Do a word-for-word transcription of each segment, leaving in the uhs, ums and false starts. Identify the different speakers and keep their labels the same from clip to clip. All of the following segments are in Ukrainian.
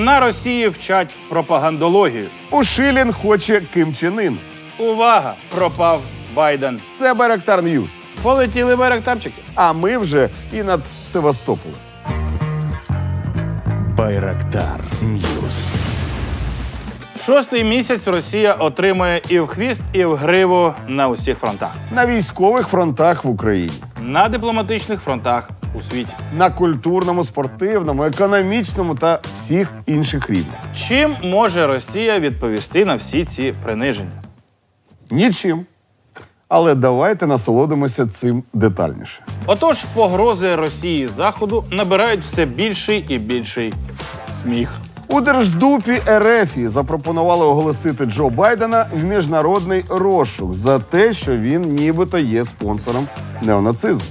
Speaker 1: На Росії вчать пропагандологію.
Speaker 2: Ушилін хоче Ким Чен Ін.
Speaker 1: Увага! Пропав Байден.
Speaker 2: Це Байрактар Ньюс.
Speaker 1: Полетіли байрактарчики.
Speaker 2: А ми вже і над Севастополем.
Speaker 3: Байрактар Ньюс.
Speaker 1: Шостий місяць Росія отримує і в хвіст, і в гриву на усіх фронтах.
Speaker 2: На військових фронтах в Україні.
Speaker 1: На дипломатичних фронтах у світі.
Speaker 2: На культурному, спортивному, економічному та всіх інших рівнях.
Speaker 1: Чим може Росія відповісти на всі ці приниження?
Speaker 2: Нічим. Але давайте насолодимося цим детальніше.
Speaker 1: Отож, погрози Росії Заходу набирають все більший і більший сміх.
Speaker 2: У Держдупі РФ запропонували оголосити Джо Байдена в міжнародний розшук за те, що він нібито є спонсором неонацизму.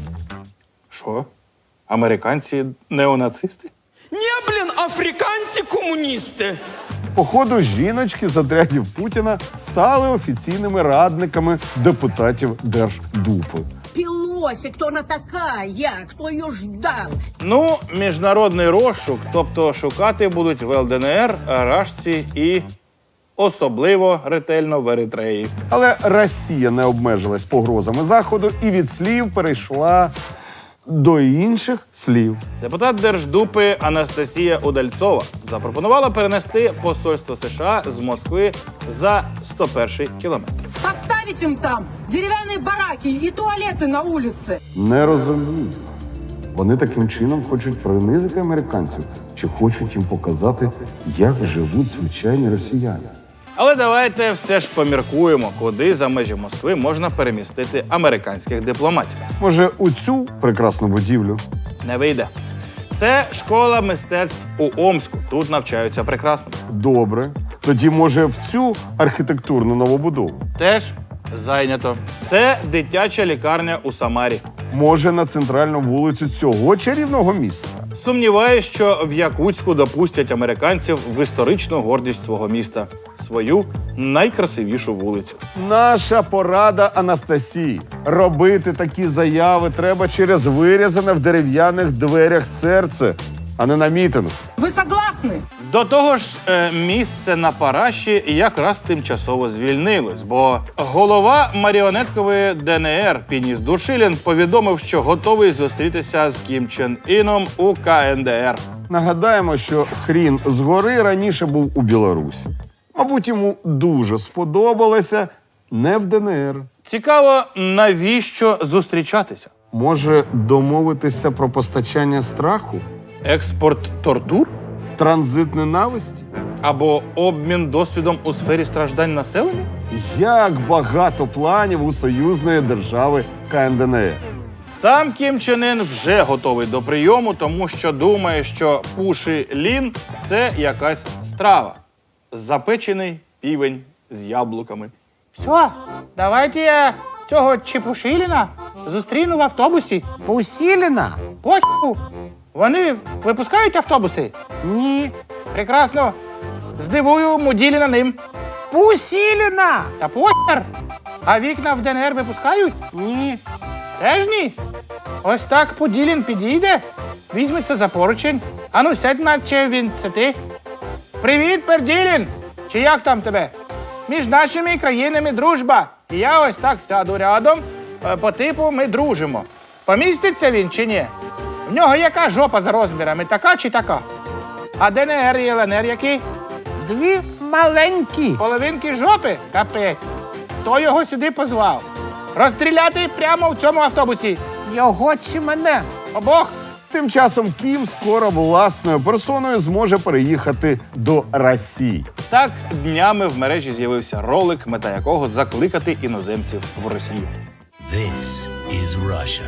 Speaker 1: Що? Американці неонацисти?
Speaker 4: Не, блин, африканці-комуністи.
Speaker 2: Походу, жіночки з отрядів Путіна стали офіційними радниками депутатів Держдупи.
Speaker 5: Пелоси, кто она такая? Кто ее ждал?
Speaker 1: Ну, міжнародний розшук, тобто шукати будуть в ЛДНР, Рашці і особливо ретельно в Еритреї.
Speaker 2: Але Росія не обмежилась погрозами Заходу і від слів перейшла до інших слів.
Speaker 1: Депутат Держдупи Анастасія Удальцова запропонувала перенести посольство США з Москви за сто перший кілометр.
Speaker 5: Поставить им там деревянные бараки и туалеты на улице.
Speaker 2: Не розумію. Вони таким чином хочуть принизити американців чи хочуть їм показати, як живуть звичайні росіяни.
Speaker 1: Але давайте все ж поміркуємо, куди за межі Москви можна перемістити американських дипломатів.
Speaker 2: Може, у цю прекрасну будівлю?
Speaker 1: Не вийде. Це школа мистецтв у Омску. Тут навчаються прекрасно.
Speaker 2: Добре. Тоді, може, в цю архітектурну новобудову?
Speaker 1: Теж зайнято. Це дитяча лікарня у Самарі.
Speaker 2: Може, на центральну вулицю цього чарівного міста?
Speaker 1: Сумніваюсь, що в Якутську допустять американців в історичну гордість свого міста. Свою найкрасивішу вулицю.
Speaker 2: Наша порада Анастасії. Робити такі заяви треба через вирізане в дерев'яних дверях серце, а не на мітингу.
Speaker 5: Вы согласны?
Speaker 1: До того ж, е, місце на Параші якраз тимчасово звільнилось, бо голова маріонеткової ДНР Пініс Душилін повідомив, що готовий зустрітися з Кім Чен Іном у КНДР.
Speaker 2: Нагадаємо, що хрін згори раніше був у Білорусі. Мабуть, йому дуже сподобалося не в ДНР.
Speaker 1: Цікаво, навіщо зустрічатися?
Speaker 2: Може, домовитися про постачання страху?
Speaker 1: Експорт тортур?
Speaker 2: Транзит ненависті?
Speaker 1: Або обмін досвідом у сфері страждань населення?
Speaker 2: Як багато планів у союзної держави КНДР.
Speaker 1: Сам Кім Чен Ін вже готовий до прийому, тому що думає, що пуші лін – це якась страва. Запечений півень з яблуками.
Speaker 6: Все, давайте я цього Чепушиліна зустріну в автобусі.
Speaker 7: Пусіліна?
Speaker 6: Поху. Вони випускають автобуси?
Speaker 7: Ні.
Speaker 6: Прекрасно. Здивую Муділіна ним.
Speaker 7: Пусіліна?
Speaker 6: Та похер. А вікна в ДНР випускають?
Speaker 7: Ні.
Speaker 6: Теж ні. Ось так Поділін підійде, візьметься за поручень. Ану, сядь, наче він, це ти. Привіт, Перділін! Чи як там тебе? Між нашими країнами дружба. І я ось так сяду рядом, е, по типу ми дружимо. Поміститься він чи ні? В нього яка жопа за розмірами, така чи така? А ДНР і ЛНР які?
Speaker 7: Дві маленькі.
Speaker 6: Половинки жопи? Капець. Хто його сюди позвав? Розстріляти прямо в цьому автобусі.
Speaker 7: Його чи мене?
Speaker 6: Обох.
Speaker 2: Тим часом Кім скоро власною персоною зможе переїхати до Росії.
Speaker 1: Так, днями в мережі з'явився ролик, мета якого закликати іноземців в Росію.
Speaker 3: This is Russia.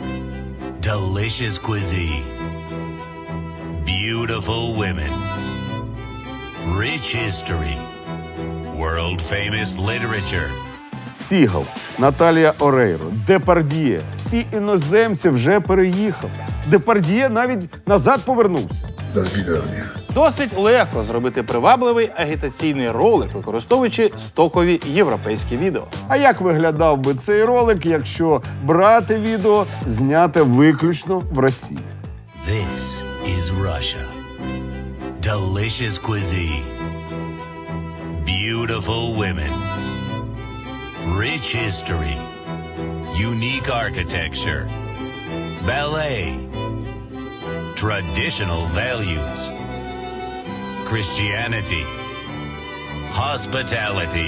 Speaker 3: Delicious cuisine. Beautiful women. Rich history. World-famous literature.
Speaker 2: Сігал, Наталія Орейро, Депардьє. Всі іноземці вже переїхали. Депардьє навіть назад повернувся.
Speaker 1: Досить легко зробити привабливий агітаційний ролик, використовуючи стокові європейські відео.
Speaker 2: А як виглядав би цей ролик, якщо брати відео, зняте виключно в Росії?
Speaker 3: This is Russia. delicious cuisine, beautiful women, rich history, unique architecture, ballet, traditional values, Christianity, hospitality.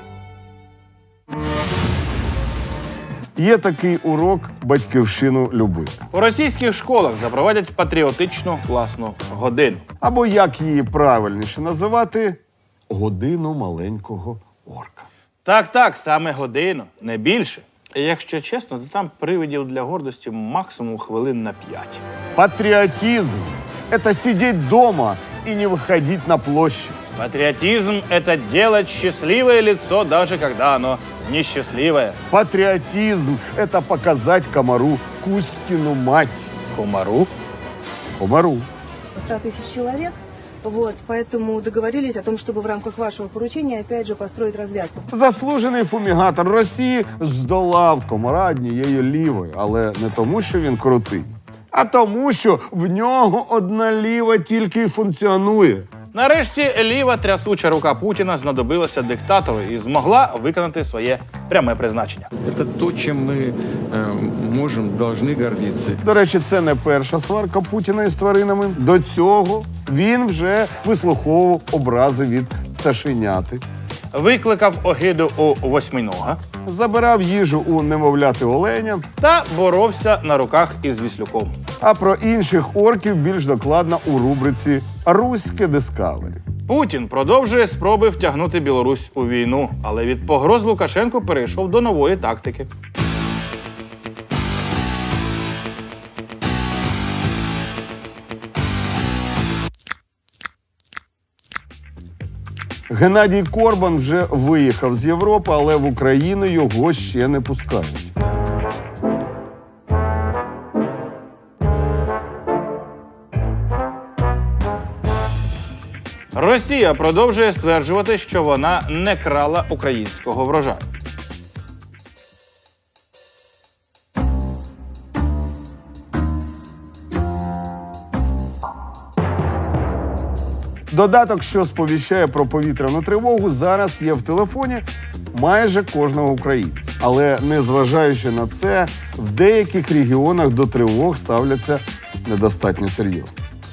Speaker 2: Є такий урок батьківщину любити.
Speaker 1: У російських школах запровадять патріотичну класну годину.
Speaker 2: Або як її правильніше називати годину маленького орка.
Speaker 1: Так, так, саме годину, не більше. І якщо чесно, то там привидів для гордості максимум хвилин на п'ять.
Speaker 2: Патриотизм – это сидеть дома и не выходить на площадь.
Speaker 1: Патриотизм – это делать счастливое лицо, даже когда оно несчастливое.
Speaker 2: Патриотизм – это показать комару Кузькину мать.
Speaker 1: Комару?
Speaker 2: Комару.
Speaker 8: ста тысяч человек. Вот, поэтому договорились о том, чтобы в рамках вашего поручения опять же построить развязку.
Speaker 2: Заслужений фумігатор Росії здолав комара однією лівою, але не тому, що він крутий, а тому, що в нього одна ліва тільки й функціонує.
Speaker 1: Нарешті ліва трясуча рука Путіна знадобилася диктатору і змогла виконати своє пряме призначення.
Speaker 9: Это то, чем мы э, можем, должны гордиться.
Speaker 2: До речі, це не перша сварка Путіна із тваринами. До цього він вже вислуховував образи від пташеняти,
Speaker 1: Викликав огиду у восьминога
Speaker 2: забирав їжу у немовляти оленя,
Speaker 1: та боровся на руках із Віслюком.
Speaker 2: а про інших орків більш докладно у рубриці «Руське Дискавері».
Speaker 1: Путін продовжує спроби втягнути Білорусь у війну, але від погроз Лукашенко перейшов до нової тактики.
Speaker 2: Геннадій Корбан вже виїхав з Європи, але в Україну його ще не пускають.
Speaker 1: Росія продовжує стверджувати, що вона не крала українського врожаю.
Speaker 2: Додаток, що сповіщає про повітряну тривогу, зараз є в телефоні майже кожного українця. Але незважаючи на це, в деяких регіонах до тривог ставляться недостатньо серйозно.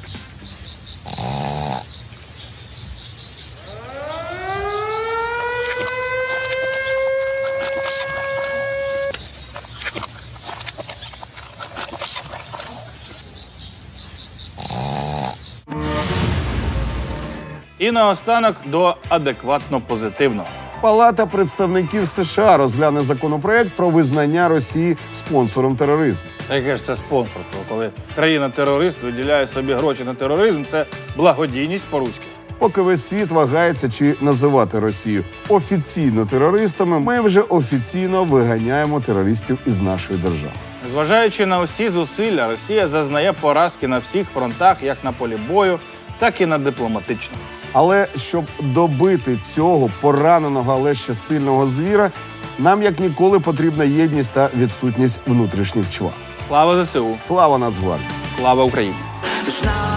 Speaker 1: І наостанок до адекватно позитивного.
Speaker 2: Палата представників США розгляне законопроект про визнання Росії спонсором тероризму.
Speaker 1: Яке ж це спонсорство, коли країна-терорист виділяє собі гроші на тероризм, це благодійність по-руськи.
Speaker 2: Поки весь світ вагається, чи називати Росію офіційно терористами, ми вже офіційно виганяємо терористів із нашої держави.
Speaker 1: Зважаючи на усі зусилля, Росія зазнає поразки на всіх фронтах, як на полі бою, так і на дипломатичному.
Speaker 2: Але щоб добити цього пораненого, але ще сильного звіра, нам як ніколи потрібна єдність та відсутність внутрішніх чвар.
Speaker 1: Слава ЗСУ!
Speaker 2: Слава Нацгвардії!
Speaker 1: Слава Україні!
Speaker 10: Знав